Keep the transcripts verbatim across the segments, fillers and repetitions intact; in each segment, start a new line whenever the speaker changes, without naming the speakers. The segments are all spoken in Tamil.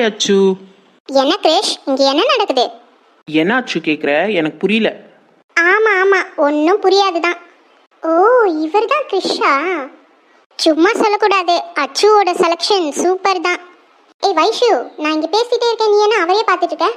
ஹாய் அச்சு.
என்ன கிரேஷ், இங்க என்ன நடக்குது?
என்ன அச்சு கேக்குற? எனக்கு புரியல.
ஆமா ஆமா, ஒன்றும் புரியாதுதான். ஓ, இவர் தான் கிரிஷா. சும்மா சொல்லக்கூடாது, அச்சுவோட செலக்ஷன் சூப்பர் தான். ஏய் வைஷு, நான் இங்க பேசிட்டே இருக்கேன், நீ என்ன அவரே பார்த்துட்டு இருக்க?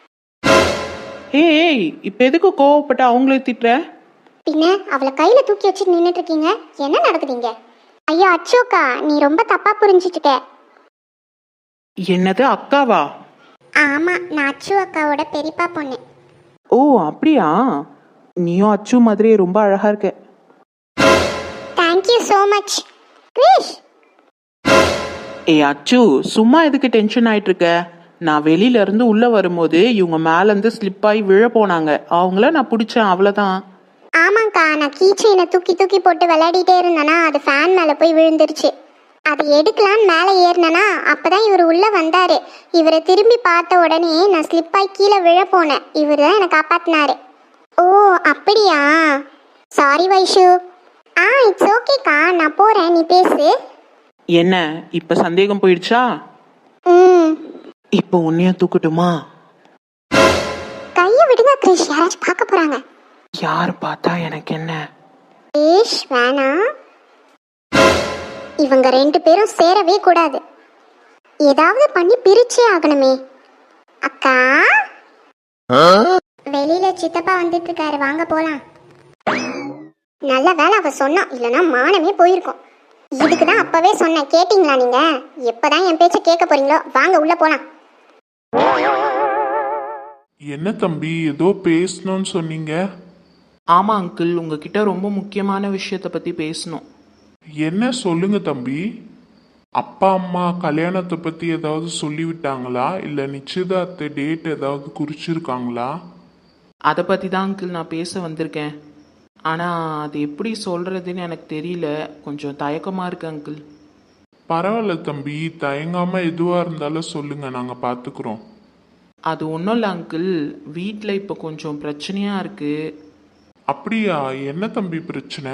ஏய், இப்ப எதுக்கு கோவப்பட்டு அவங்கள திட்டுற?
பின்ன அவளை கையில தூக்கி வச்சு நின்றுட்டு இருக்கீங்க, என்ன நடக்குதுங்க? ஐயோ அச்சோக்கா, நீ ரொம்ப தப்பா புரிஞ்சிட்டு இருக்க.
என்னது அக்காவா?
ஆமா, நான் அச்சு அக்காவோட பெரியப்பா பொண்ணு.
ஓ அப்படியா? நீயும் அச்சு மாதிரி ரொம்ப அழகா இருக்க.
Thank you so much Krish.
ஏய் அச்சு, சும்மா எதுக்கு டென்ஷன் ஆயிட்டு இருக்க? நான் வெளியில இருந்து உள்ள வரும்போது இவங்க மேல இருந்து ஸ்லிப் ஆகி விழ போனாங்க, அவங்கள நான் பிடிச்சேன், அவ்வளவுதான்.
ஆமாங்க்கா, நான் கீச்சைனை தூக்கி தூக்கி போட்டு விளையாடிட்டே இருந்தேனா, அது ஃபேன் மேலே போய் விழுந்துருச்சு. அதை எடுக்கலான்னு மேலே ஏறினேனா, அப்பதான் இவர் உள்ள வந்தாரு. இவரை திரும்பி பார்த்த உடனே நான் ஸ்லிப்பாகி கீழே விழ போனேன். இவர் தான் என்னை காப்பாத்தினாரு. ஓ அப்படியா? சாரி வைஷு. ஆ இட்ஸ் ஓகேக்கா, நான் போறேன், நீ பேசு.
என்ன இப்ப சந்தேகம் போயிடுச்சா?
ம்.
இப்போ உன்னைய தூக்கட்டுமா?
கையை விடுங்க கிரிஷ், யாராச்சும் பார்க்க போறாங்க.
யார் பார்த்தா எனக்கு என்ன?
ஏஷ் வேணாம், இவங்க ரெண்டு பேரும் சேரவே கூடாது. ஏதாவது பண்ணி பிரிச்சே ஆகணுமே. அக்கா, வெளியில சித்தப்பா வந்துட்டு இருக்காரு, வாங்க போலாம். நல்ல வேலை அவ சொன்னா, இல்லைன்னா மானமே போயிருக்கும். இதுக்கு தான் அப்பவே சொன்னேன், கேட்டீங்களா நீங்க? எப்பதான் என் பேச்ச கேட்க போறீங்களோ, வாங்க உள்ள போலாம்.
என்ன தம்பி, ஏதோ பேசணும்னு சொன்னீங்க?
ஆமா அங்கிள், உங்ககிட்ட ரொம்ப முக்கியமான விஷயத்த பத்தி பேசணும்.
என்ன சொல்லுங்க தம்பி. அப்பா அம்மா கல்யாணத்தை பத்தி ஏதாவது சொல்லிவிட்டாங்களா, இல்ல நிச்சயதார்த்த டேட் ஏதாவது குறிச்சிருக்காங்களா?
அதை பத்தி தான் அங்கிள் நான் பேச வந்திருக்கேன். ஆனா அது எப்படி சொல்றதுன்னு எனக்கு தெரியல, கொஞ்சம் தயக்கமா இருக்கு அங்கிள்.
பரவாயில்ல தம்பி, தயங்காம எதுவா இருந்தாலும் சொல்லுங்க, நாங்க பாத்துக்கிறோம்.
அது ஒன்றும் இல்லை அங்கிள், வீட்டில் இப்போ கொஞ்சம் பிரச்சனையாக இருக்குது.
அப்படியா? என்ன தம்பி பிரச்சனை?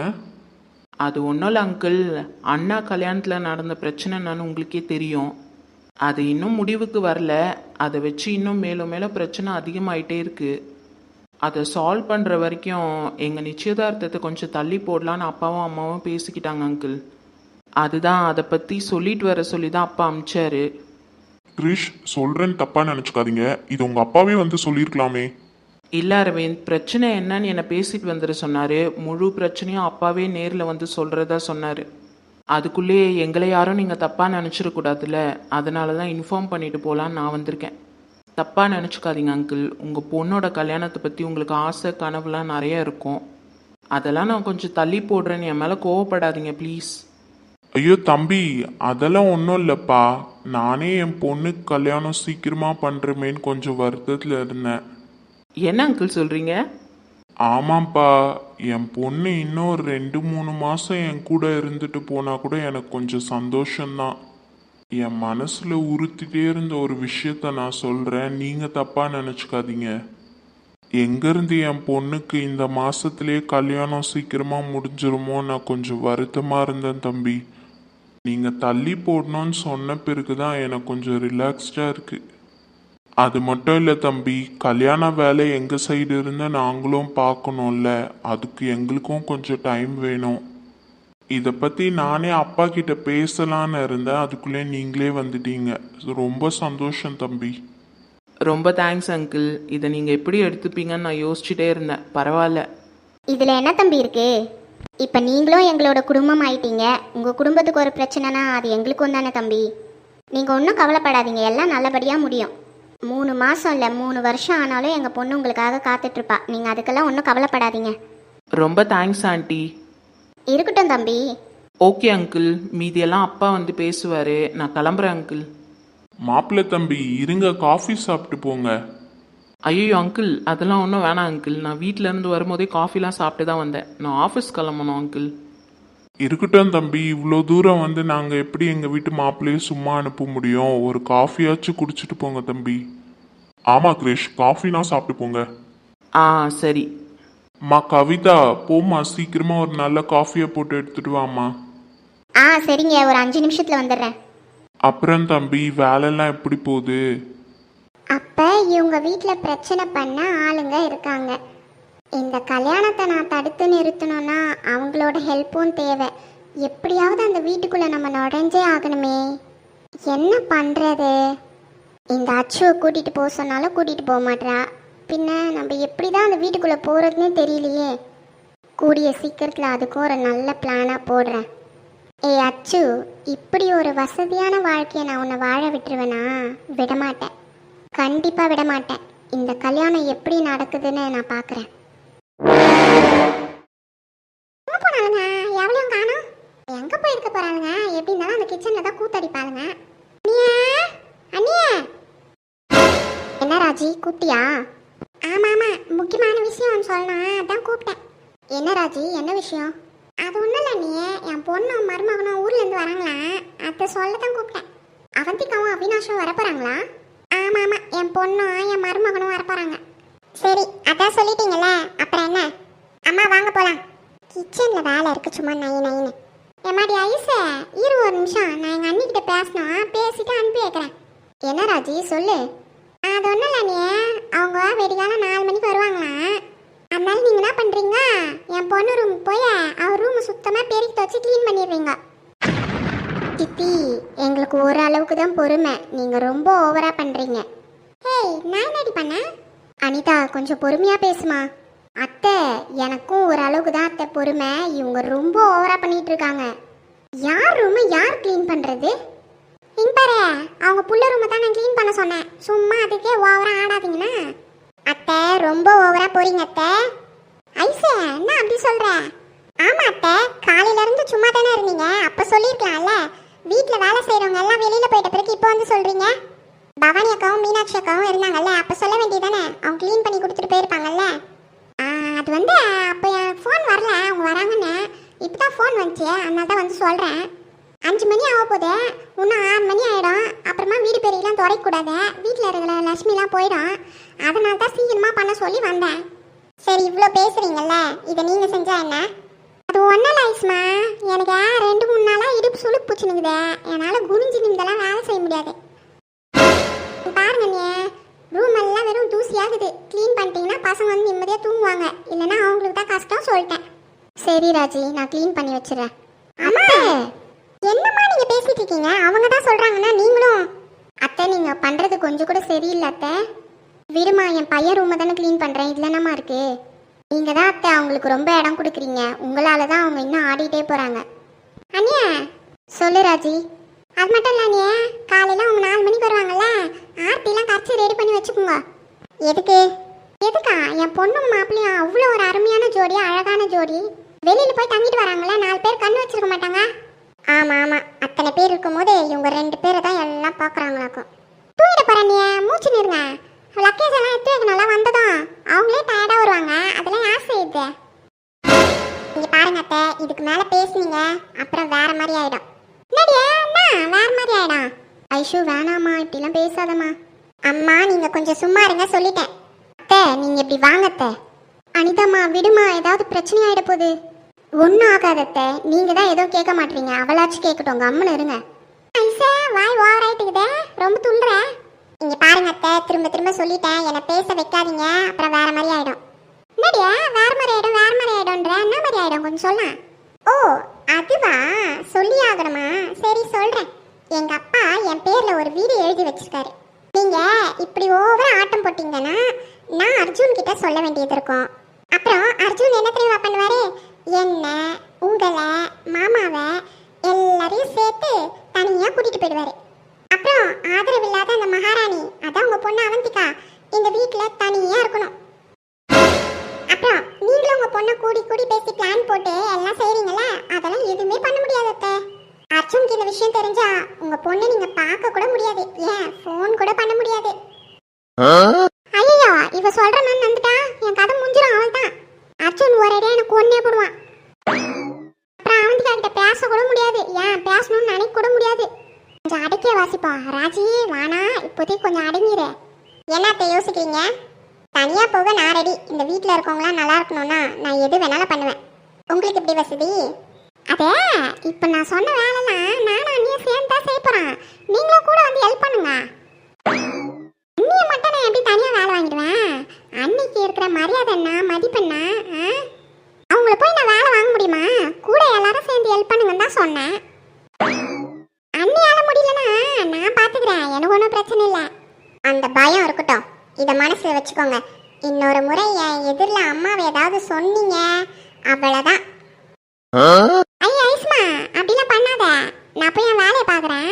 அது ஒன்றும் இல்லை அங்கிள், அண்ணா கல்யாணத்தில் நடந்த பிரச்சனை என்னன்னு உங்களுக்கே தெரியும். அது இன்னும் முடிவுக்கு வரல, அதை வச்சு இன்னும் மேலும் மேலும் பிரச்சனை அதிகமாயிட்டே இருக்குது. அதை சால்வ் பண்ணுற வரைக்கும் எங்கள் நிச்சயதார்த்தத்தை கொஞ்சம் தள்ளி போடலான்னு அப்பாவும் அம்மாவும் பேசிக்கிட்டாங்க அங்கிள். அதுதான், அதை பற்றி சொல்லிட்டு வர சொல்லி தான் அப்பா அமிச்சாரு.
கிரிஷ், சொல்றேன்னு தப்பா நினைச்சுக்காதீங்க, இது உங்க அப்பாவே வந்து சொல்லியிருக்கலாமே.
இல்லை அரவிந்த், பிரச்சனை என்னன்னு என்னை பேசிட்டு வந்துட சொன்னார். முழு பிரச்சனையும் அப்பாவே நேரில் வந்து சொல்கிறதா சொன்னார். அதுக்குள்ளேயே எங்களை யாரும் நீங்கள் தப்பாக நினச்சிடக்கூடாதுல்ல, அதனால தான் இன்ஃபார்ம் பண்ணிட்டு போகலான்னு நான் வந்திருக்கேன். தப்பாக நினச்சிக்காதீங்க அங்கிள், உங்கள் பொண்ணோட கல்யாணத்தை பற்றி உங்களுக்கு ஆசை கனவுலாம் நிறைய இருக்கும். அதெல்லாம் நான் கொஞ்சம் தள்ளி போடுறேன்னு என் மேலே கோவப்படாதீங்க ப்ளீஸ்.
ஐயோ தம்பி, அதெல்லாம் ஒன்றும் இல்லைப்பா. நானே என் பொண்ணுக்கு கல்யாணம் சீக்கிரமாக பண்ணுறமேன்னு கொஞ்சம் வருத்தத்தில் இருந்தேன்.
என்ன அங்கிள் சொல்கிறீங்க?
ஆமாப்பா, என் பொண்ணு இன்னும் ஒரு ரெண்டு மூணு மாதம் என் கூட இருந்துட்டு போனால் கூட எனக்கு கொஞ்சம் சந்தோஷம்தான். என் மனசில் உறுத்திட்டே இருந்த ஒரு விஷயத்த நான் சொல்கிறேன், நீங்கள் தப்பாக நினச்சிக்காதீங்க. எங்கேருந்து என் பொண்ணுக்கு இந்த மாதத்துலேயே கல்யாணம் சீக்கிரமாக முடிஞ்சிருமோ நான் கொஞ்சம் வருத்தமாக இருந்தேன் தம்பி. நீங்கள் தள்ளி போடணும்னு சொன்ன பிறகு தான் எனக்கு கொஞ்சம் ரிலாக்ஸ்டாக இருக்குது. அது மட்டும் இல்லை தம்பி, கல்யாண வேலை எங்கள் சைடு இருந்து நாங்களும் பார்க்கணும்ல, அதுக்கு எங்களுக்கும் கொஞ்சம் டைம் வேணும். இதை பற்றி நானே அப்பா கிட்ட பேசலான்னு இருந்தேன், அதுக்குள்ளே நீங்களே வந்துட்டீங்க. ரொம்ப சந்தோஷம் தம்பி.
ரொம்ப தேங்க்ஸ் அங்கிள், இதை நீங்கள் எப்படி எடுத்துப்பீங்கன்னு நான் யோசிச்சுட்டே இருந்தேன். பரவாயில்ல.
இதில் என்ன தம்பி இருக்கு? இப்போ நீங்களும் எங்களோட குடும்பம் ஆயிட்டீங்க. உங்கள் குடும்பத்துக்கு ஒரு பிரச்சனைனா அது எங்களுக்கும் தானே தம்பி. நீங்கள் ஒன்றும் கவலைப்படாதீங்க, எல்லாம் நல்லபடியாக முடியும். மூணு மாதம் இல்லை, மூணு வருஷம் ஆனாலும் எங்கள் பொண்ணு உங்களுக்காக காத்துட்ருப்பா. நீங்கள் அதுக்கெல்லாம் ஒன்றும் கவலைப்படாதீங்க.
ரொம்ப தேங்க்ஸ் ஆண்டி.
இருக்கட்டும் தம்பி.
ஓகே அங்கிள், மீதியெல்லாம் அப்பா வந்து பேசுவார். நான் கிளம்புறேன் அங்கிள்.
மாப்பிள்ளை தம்பி இருங்க, காஃபி சாப்பிட்டு போங்க.
ஐயோ அங்கிள், அதெல்லாம் ஒன்றும் வேணாம் அங்கிள், நான் வீட்டிலேருந்து வரும்போதே காஃபிலாம் சாப்பிட்டு தான் வந்தேன். நான் ஆஃபீஸ் கிளம்பணும் அங்கிள்.
இருக்கட்டும் தம்பி, இவ்வளோ தூரம் வந்து நாங்கள் எப்படி எங்கள் வீட்டு மாப்பிள்ளையே சும்மா அனுப்ப முடியும்? ஒரு காஃபியாச்சும் குடிச்சிட்டு போங்க தம்பி. ஆமாம் கிரிஷ், காஃபினா சாப்பிட்டு போங்க.
ஆ சரி.
அம்மா கவிதா, போம்மா, சீக்கிரமாக ஒரு நல்ல காஃபியை போட்டு எடுத்துட்டு வாம்மா.
ஆ சரிங்க, ஒரு அஞ்சு நிமிஷத்தில் வந்துடுறேன்.
அப்புறம் தம்பி வேலைலாம் எப்படி போகுது?
அப்போ இவங்க வீட்டில் பிரச்சனை பண்ண ஆளுங்க இருக்காங்க. இந்த கல்யாணத்தை நான் தடுத்து நிறுத்தணும்னா அவங்களோட ஹெல்ப்பும் தேவை. எப்படியாவது அந்த வீட்டுக்குள்ளே நம்ம நுழைஞ்சே ஆகணுமே. என்ன பண்ணுறது? இந்த அச்சுவை கூட்டிகிட்டு போக சொன்னாலும் கூட்டிகிட்டு போக மாட்டா. பின்ன நம்ம எப்படி தான் அந்த வீட்டுக்குள்ளே போகிறதுனே தெரியலையே. கூடிய சீக்கிரத்தில் அதுக்கும் ஒரு நல்ல பிளானாக போடுறேன். ஏய் அச்சு, இப்படி ஒரு வசதியான வாழ்க்கையை நான் உன்னை வாழ விட்டுருவேனா? விடமாட்டேன், கண்டிப்பாக விடமாட்டேன். இந்த கல்யாணம் எப்படி நடக்குதுன்னு நான் பார்க்குறேன். போனாலுங்க எவ்வளோ காணும்? எங்கே போயிருக்க போகிறாளுங்க? எப்படி இருந்தாலும் அந்த கிச்சனில் தான் கூத்தடிப்பாளுங்க. அண்ணியே, என்ன ராஜி கூப்பிட்டியா? ஆமாம் ஆமாம், முக்கியமான விஷயம் சொல்லணும், அதான் கூப்பிட்டேன். என்ன ராஜி, என்ன விஷயம்? அது ஒன்றும் இல்லை நீ, என் பொண்ணும் மருமகனும் ஊர்லேருந்து வராங்களா, அதை சொல்ல தான் கூப்பிட்டேன். அவந்திக்காவும் அவினாஷும் வரப்போகிறாங்களா? ஆமாம் ஆமாம், என் பொண்ணும் என் மருமகனும் வரப்போகிறாங்க. சரி, அதான் சொல்லிட்டீங்களே, அப்புறம் என்ன? அம்மா வாங்க போகலாம். கிச்சனில் வேலை இருக்கு, சும்மா நை நைன்னு. எம்மாடி ஐசு, இரு ஒரு நிமிஷம், நான் எங்கள் அண்ணிக்கிட்ட பேசணும், பேசிட்டு அனுப்பி வைக்கிறேன். என்ன ராஜி சொல்லு. அது ஒன்றும் இல்லை நீ, அவங்க வெடிகாலம் நாலு மணிக்கு வருவாங்களாம். அதனால நீங்கள் என்ன பண்ணுறீங்க, என் பொண்ணு ரூமுக்கு போய் அவர் ரூமை சுத்தமாக பெருக்கி வச்சு க்ளீன் பண்ணிடுறீங்க. சித்தி, எங்களுக்கு ஒரு அளவுக்கு தான் பொறுமை, நீங்கள் ரொம்ப ஓவராக பண்ணுறீங்க. ஹேய், நான் என்னடி பண்ணேன்? அனிதா, கொஞ்சம் பொறுமையாக பேசுமா. அத்தை, எனக்கும் ஒரு அளவுக்கு தான் அத்தை பொறுமை, இவங்க ரொம்ப ஓவராக பண்ணிட்டு இருக்காங்க. யார் ரூமை யார் க்ளீன் பண்ணுறது? இங்க பாரு, அவங்க புள்ள ரூமை தான் நான் க்ளீன் பண்ண சொன்னேன், சும்மா அதுக்கே ஓவராக ஆடாதீங்கண்ணா. அத்தை, ரொம்ப ஓவராக போறீங்க அத்தை. ஐசே, என்ன அப்படி சொல்கிற? ஆமாம் அத்தை, காலையிலேருந்து சும்மா தானே இருந்தீங்க, அப்போ சொல்லியிருக்கலாம்ல. வீட்டில் வேலை செய்கிறவங்க எல்லாம் வெளியில் போயிட்ட பிறகு இப்போ வந்து சொல்கிறீங்க. பவானி அக்காவும் மீனாட்சி அக்காவும் இருந்தாங்கல்ல, அப்போ சொல்ல வேண்டியதானே, அவங்க க்ளீன் பண்ணி கொடுத்துட்டு போயிருப்பாங்கல்ல. அது வந்து அப்போ என் ஃபோன் வரல, அவங்க வராங்கன்னு. இப்போ தான் ஃபோன் வந்துச்சு, அதனால தான் வந்து சொல்கிறேன். அஞ்சு மணி ஆக போகுது, இன்னும் ஆறு மணி ஆகிடும். அப்புறமா வீடு பெரியெல்லாம் துடைக்கூடாது, வீட்டில் இருக்கிற லட்சுமிலாம் போயிடும். அதனால தான் சீக்கிரமாக பண்ண சொல்லி வந்தேன். சரி, இவ்வளோ பேசுகிறீங்கல்ல, இதை நீங்கள் செஞ்சா என்ன? அது ஒன்றும் இல்லை ஐஸ்மா, எனக்கு ரெண்டு மூணு நாளாக இடுப்பு சுளுக்கு பூச்சினுக்குது, என்னால் குனிஞ்சு நிமிடெல்லாம் வேலை செய்ய முடியாது. பாருங்க நீ, ரூம் எல்லாம் வெறும் தூசியாகுது, க்ளீன் பண்ணிட்டீங்கன்னா பசங்க வந்து நிம்மதியாக தூங்குவாங்க, இல்லைன்னா அவங்களுக்கு தான் கஷ்டம் சொல்லிட்டேன். சரி ராஜி, நான் க்ளீன் பண்ணி வச்சிடறேன். அம்மா, என்னம்மா நீங்கள் பேசிட்டு இருக்கீங்க? அவங்க தான் சொல்கிறாங்கன்னா நீங்களும்? அத்தை, நீங்கள் பண்ணுறது கொஞ்சம் கூட சரியில்லை அத்தை. விடுமா, என் பையன் ரூமை தானே க்ளீன் பண்ணுறேன், இதில் என்னம்மா இருக்குது? நீங்கள் தான் அத்தை அவங்களுக்கு ரொம்ப இடம் கொடுக்குறீங்க, உங்களால் தான் அவங்க இன்னும் ஆடிட்டே போகிறாங்க. அண்ணியா, சொல்லு ராஜி. அது மட்டும் இல்லை அண்ணியே, காலையில் அவங்க நாலு மணிக்கு வருவாங்கல்ல, ஆர்த்திலாம் கரைச்சி ரெடி பண்ணி வச்சுக்கோங்க. எதுக்கு? எதுக்கா? என் பொண்ணும் மாப்பிள்ளையும் அவ்வளோ ஒரு அருமையான ஜோடி, அழகான ஜோடி. வெளியில் போய் தங்கிட்டு வராங்களே, நாலு பேர் கண்ணு வச்சிருக்க மாட்டாங்க? ஆமாம் ஆமாம், அத்தனை பேர் இருக்கும்போது இவங்க ரெண்டு பேரை தான் எல்லாம் பார்க்குறாங்களாக்கும். தூங்கிட போகிறேன், மூச்சு நிறுங்க. லக்கேஜ் எல்லாம் எடுத்து வைக்கணும்ல, வந்ததும் அவங்களே டயர்டாக வருவாங்க, அதெல்லாம் யார் செய்யுது? நீங்கள் பாருங்க அத்தை, இதுக்கு மேலே பேசுனீங்க அப்புறம் வேற மாதிரி ஆகிடும். என்னடியா, என்ன வேற மாதிரி ஆகிடும்? ஐஷு, வேணாம்மா, இப்படிலாம் பேசாதம்மா. அம்மா, நீங்கள் கொஞ்சம் சும்மா இருங்க, சொல்லிட்டேன். அத்தை, நீங்கள் இப்படி வாங்கத்தை. அனிதாம்மா, விடுமா, ஏதாவது பிரச்சனை ஆகிட போகுது. ஒன்றும் ஆகாதத்தை, நீங்கள் தான் ஏதோ கேட்க மாட்டீங்க, அவளாச்சும் கேட்கட்டும், கம்முன்னு இருங்க. ஐசா, வாய் ஓவர் ஆகிட்டுக்குதே, ரொம்ப துள்ளுற. இங்கே பாருங்க அத்தை, திரும்ப திரும்ப சொல்லிட்டேன், என்னை பேச வைக்காதீங்க, அப்புறம் வேற மாதிரி ஆகிடும். என்னடியா வேற மாதிரி ஆகிடும், வேற மாதிரி ஆகிடும்ன்ற, என்ன மாதிரி ஆகிடும் கொஞ்சம் சொல்ல. ஓ, அதுவா, சொல்லி ஆகணுமா? சரி சொல்கிறேன். எங்கள் அப்பா என் பேரில் ஒரு வீடு எழுதி வச்சிருக்காரு. நீங்கள் இப்படி ஓவர ஆட்டம் போட்டிங்கன்னா நான் அர்ஜுன் கிட்ட சொல்ல வேண்டியது இருக்கும். அப்புறம் அர்ஜுன் என்ன தெரியுமா பண்ணுவார்? என்ன, உங்களை, மாமாவை எல்லாரையும் சேர்த்து தனியாக கூட்டிகிட்டு போயிடுவார். அப்புறம் ஆதரவு இல்லாத அந்த மகாராணி, அதான் உங்கள் பொண்ணு அவந்திகா, இந்த வீட்டில் தனியாக இருக்கணும். அப்புறம் நீங்களும் உங்கள் பொண்ணை கூடி கூடி பேசி பிளான் போட்டு எல்லாம் செய்கிறீங்களே, அதெல்லாம் எதுவுமே பண்ண முடியாது அத்தை. அர்ஜுனுக்கு இந்த விஷயம் தெரிஞ்சா உங்கள் பொண்ணை நீங்கள் பார்க்க கூட முடியாது, ஏன் ஃபோன் கூட பண்ண முடியாது. ஐயோ, இவ சொல்கிற நான் நந்துட்டா, என் கதை முடிஞ்சிடும், அவள் தான். அர்ஜுன் ஒரேடியாக எனக்கு ஒன்றே போடுவான். அப்புறம் அவந்திகா கிட்ட பேச கூட முடியாது, ஏன் பேசணும்னு நினைக்க கூட முடியாது. கொஞ்சம் அடக்கிய வாசிப்பா. ராஜி, வானா, இப்போதைக்கு கொஞ்சம் அடங்கிடு. என்னத்தை யோசிக்கிறீங்க? தனியாக போக நான் ரெடி. இந்த வீட்டில் இருக்கவங்களாம் நல்லா இருக்கணும்னா நான் எது வேணாலும் பண்ணுவேன். உங்களுக்கு எப்படி வசதி? அதே இப்போ நான் சொன்ன வேலைலாம் நானும் அண்ணியும் சேர்ந்து பையன் தான் செய்ய போறான். நீங்களும் கூட வந்து ஹெல்ப் பண்ணுங்க. அண்ணியை மட்டும் நான் எப்படி தனியா வேலை வாங்கிடுவேன்? அன்னைக்கு இருக்கிற மரியாதை என்ன மதிப்பெண்ணா? அவங்கள போய் நான் வேலை வாங்க முடியுமா? கூட எல்லாரும் சேர்ந்து ஹெல்ப் பண்ணுங்கன்னு தான் சொன்னேன். அண்ணியால முடியலன்னா நான் பாத்துக்கிறேன், எனக்கு ஒன்றும் பிரச்சனை இல்லை. அந்த பயம் இருக்கட்டும், இதை மனசுல வச்சுக்கோங்க. இன்னொரு முறை என் எதிரில் அம்மாவை ஏதாவது சொன்னீங்க அவ்வளோதான். ஐயா ஐஸ்மா, அப்படிலாம் பண்ணாத. நான் போய் என் வேலையை பார்க்குறேன்.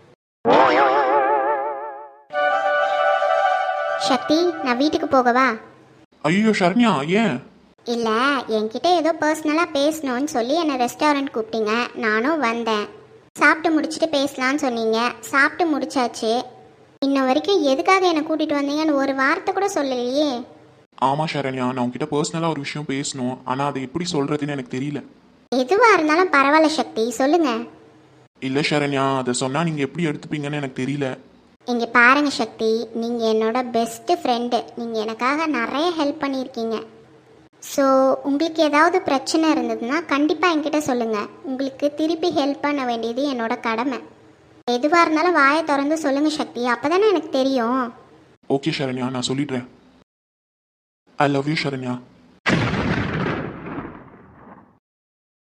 சக்தி, நான் வீட்டுக்கு போகவா?
ஐயோ சரண்யா, ஏன்?
இல்லை, என்கிட்ட ஏதோ பர்சனலாக பேசணும்னு சொல்லி என்னை ரெஸ்டாரண்ட் கூப்பிட்டீங்க. நானும் வந்தேன். சாப்பிட்டு முடிச்சுட்டு பேசலான்னு சொன்னீங்க. சாப்பிட்டு முடிச்சாச்சு. இன்ன வரைக்கும் எதுக்காக என்னை கூட்டிகிட்டு வந்தீங்கன்னு ஒரு வார்த்தை கூட சொல்லலையே.
ஆமா சரண்யா, நான் உங்ககிட்ட பர்சனலா ஒரு விஷயம் பேசணும். ஆனா அதை எப்படி சொல்றதுன்னு எனக்கு தெரியல.
எதுவா இருந்தாலும் பரவாயில்ல சக்தி, சொல்லுங்க.
இல்ல சரண்யா, அதை சொன்னா நீங்க எப்படி எடுத்துப்பீங்கன்னு எனக்கு தெரியல.
இங்கே பாருங்க சக்தி, நீங்கள் என்னோட பெஸ்ட்டு ஃப்ரெண்டு. நீங்கள் எனக்காக நிறைய ஹெல்ப் பண்ணியிருக்கீங்க. ஸோ உங்களுக்கு ஏதாவது பிரச்சனை இருந்ததுன்னா கண்டிப்பாக என்கிட்ட சொல்லுங்கள். உங்களுக்கு திருப்பி ஹெல்ப் பண்ண வேண்டியது என்னோட கடமை. எதுவாக இருந்தாலும் வாயை திறந்து சொல்லுங்கள் சக்தி, அப்போ தானே எனக்கு தெரியும்.
ஓகே சரண்யா, நான் சொல்லிடுறேன். I love you Saranya.